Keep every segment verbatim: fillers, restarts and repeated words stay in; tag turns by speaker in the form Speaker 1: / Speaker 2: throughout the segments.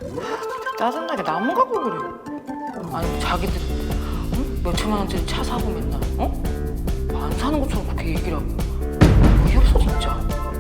Speaker 1: 짜증나게 나무 갖고 그래. 아니 자기들 응? 몇천만 원짜리 차 사고 맨날 어? 안 사는 것처럼 그렇게 얘기를 하고 어이없어 진짜.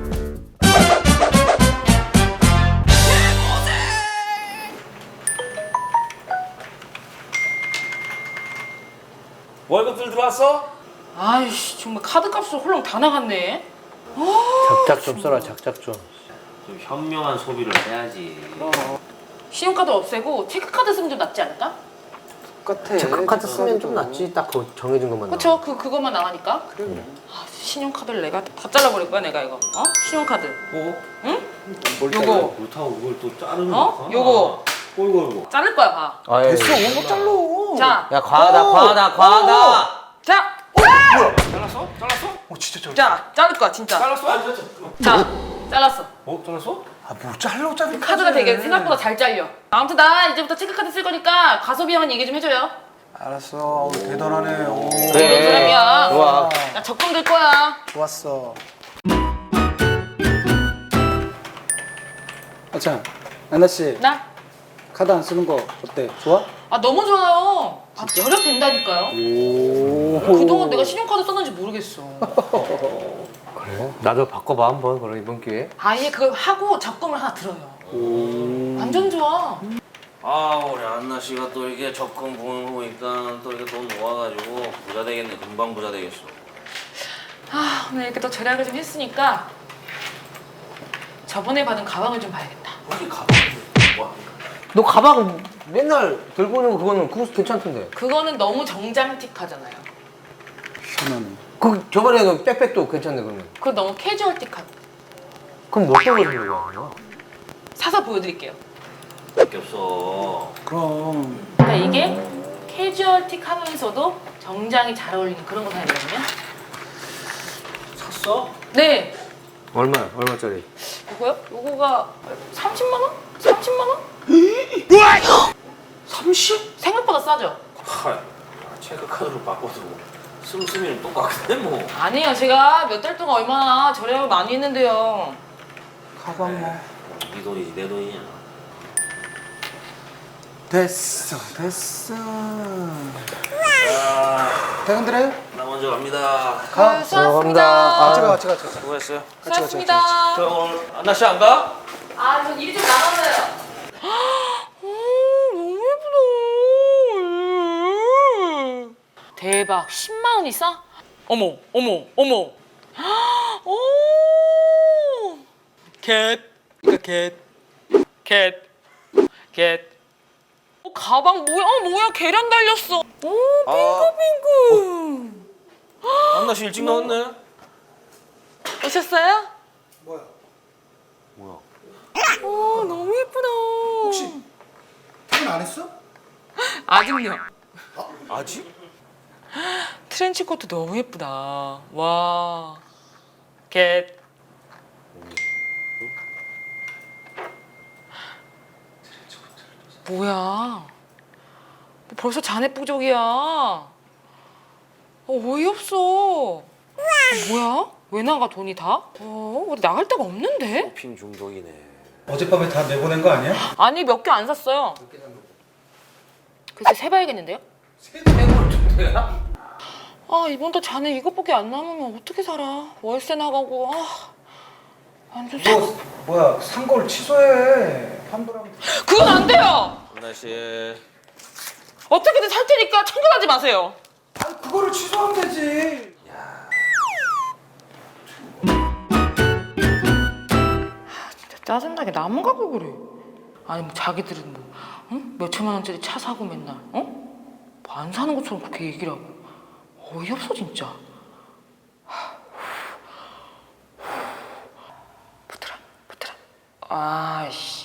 Speaker 2: 월급들 들어왔어?
Speaker 1: 아이씨 정말 카드값으로 홀랑 다 나갔네.
Speaker 3: 작작 좀 써라, 작작 좀.
Speaker 2: 좀 현명한 소비를 해야지.
Speaker 1: 신용카드 없애고 체크카드 쓰면 좀 낫지 않을까?
Speaker 4: 똑같아.
Speaker 3: 체크카드 쓰면 좀 낫지. 딱 그 정해진 것만 나와.
Speaker 1: 그쵸? 그, 그것만 나가니까?
Speaker 4: 그래.
Speaker 1: 아, 신용카드를 내가 다 잘라버릴 거야 내가 이거 어? 신용카드
Speaker 2: 어?
Speaker 1: 응?
Speaker 4: 뭘
Speaker 1: 요거
Speaker 2: 그렇다고 그걸 또 자르는
Speaker 1: 어?
Speaker 2: 거야?
Speaker 1: 요거
Speaker 2: 어이구 어이구.
Speaker 1: 자를 거야 봐.
Speaker 3: 아, 예.
Speaker 4: 됐어, 뭐 잘라.
Speaker 1: 자,
Speaker 3: 야, 과하다, 과하다, 과하다.
Speaker 1: 자,
Speaker 2: 잘랐어? 잘랐어?
Speaker 4: 어, 진짜 잘라.
Speaker 1: 자, 자를 거야 진짜.
Speaker 2: 잘랐어? 아, 진짜.
Speaker 1: 자, 잘랐어.
Speaker 2: 어? 잘랐어?
Speaker 4: 아, 뭐 잘라, 잘라.
Speaker 1: 카드가 되게 생각보다 잘 잘려. 아무튼 나 이제부터 체크카드 쓸 거니까 과소비형은 얘기 좀 해줘요.
Speaker 4: 알았어. 어우, 대단하네. 오.
Speaker 1: 그런
Speaker 3: 그래.
Speaker 1: 사람이야.
Speaker 3: 좋아.
Speaker 1: 나 적금 들 거야.
Speaker 4: 좋았어. 아참, 나나 씨,
Speaker 1: 나?
Speaker 4: 카드 안 쓰는 거 어때? 좋아?
Speaker 1: 아 너무 좋아요. 아 절약된다니까요.
Speaker 4: 오.
Speaker 1: 그동안 내가 신용카드 썼는지 모르겠어.
Speaker 3: 그래? 나도 바꿔봐, 한번. 그럼 이번 기회에.
Speaker 1: 아예 그걸 하고 적금을 하나 들어요.
Speaker 4: 오.
Speaker 1: 완전 좋아.
Speaker 2: 아 우리 안나 씨가 또 이게 적금 보니까 또 이렇게 돈 모아가지고 부자 되겠네. 금방 부자 되겠어.
Speaker 1: 아 오늘 이렇게 또 절약을 좀 했으니까 저번에 받은 가방을 좀 봐야겠다.
Speaker 2: 혹시 가방을 뭐
Speaker 3: 너 가방 맨날 들고 오는 거 그거는 그거 괜찮던데.
Speaker 1: 그거는 너무 정장틱하잖아요.
Speaker 4: 희한하네.
Speaker 3: 그 저번에 그 백팩도 괜찮네 그러면.
Speaker 1: 그거 너무 캐주얼틱하고.
Speaker 3: 그럼 뭐 어떤 거 들고 가는
Speaker 1: 사서 보여드릴게요.
Speaker 2: 밖에 없어.
Speaker 4: 그럼.
Speaker 1: 그러니까 이게 캐주얼틱하면서도 정장이 잘 어울리는 그런 거 사야 되거든요.
Speaker 2: 샀어?
Speaker 1: 네.
Speaker 3: 얼마? 얼마짜리?
Speaker 1: 이거요? 이거가 삼십만 원? 삼십만 원?
Speaker 2: 삼십?
Speaker 1: 생각보다 싸죠?
Speaker 2: 하, 체크카드로 바꿔도 씀씀이는 똑같은데 뭐.
Speaker 1: 아니에요. 제가 몇 달 동안 얼마나 절약을 많이 했는데요.
Speaker 4: 가방 뭐.
Speaker 2: 네 돈이지 내 돈이냐.
Speaker 4: 됐어, 됐어.
Speaker 2: 자,
Speaker 4: 퇴근들해?
Speaker 2: 나 먼저 갑니다.
Speaker 4: 가.
Speaker 1: 아, 수고하셨습니다.
Speaker 4: 같이 가, 같이 가, 같이 가.
Speaker 2: 수고했어요.
Speaker 4: 같이 가, 같이 가.
Speaker 1: 수고하셨습니다.
Speaker 2: 저 오늘 안나 씨 안 가?
Speaker 1: 아, 저 일이 좀 남았어요. 너무 예쁘다. 대박. 십만 원이 싸? 어머, 어머, 어머. 오. 캣. 이거 캣. 캣. 캣. 어, 가방 뭐야? 어, 뭐야? 계란 달렸어. 오, 핑크핑크.
Speaker 2: 안나 씨 일찍 나왔네.
Speaker 1: 오셨어요?
Speaker 4: 뭐야?
Speaker 2: 뭐야?
Speaker 1: 오, 너무 예쁘다.
Speaker 4: 혹시 퇴근 안 했어?
Speaker 1: 아직요.
Speaker 2: 아직?
Speaker 1: 트렌치코트 너무 예쁘다. 와. 겟. 뭐야? 벌써 자네 부족이야. 어, 어이없어. 어, 뭐야? 왜 나가 돈이 다? 어, 어디 나갈 데가 없는데?
Speaker 2: 쇼핑 중독이네.
Speaker 4: 어젯밤에 다 내보낸 거 아니야?
Speaker 1: 아니 몇 개 안 샀어요. 글쎄 세봐야겠는데요? 아 이번 달 자네 이것밖에 안 남으면 어떻게 살아? 월세 나가고 아 완전 사...
Speaker 4: 너 뭐야? 산 걸 취소해. 환불하면.
Speaker 1: 그건 안 돼요.
Speaker 2: 안나 씨.
Speaker 1: 어떻게든 살 테니까 청결하지 마세요.
Speaker 4: 아니 그거를 취소하면 되지.
Speaker 1: 진짜 짜증나게 나무 갖고 그래. 아니 뭐 자기들은 뭐 응? 몇천만 원짜리 차 사고 맨날 어? 뭐 안 사는 것처럼 그렇게 얘기를 하고 어이없어 진짜. 붙으라 붙으라. 아이씨.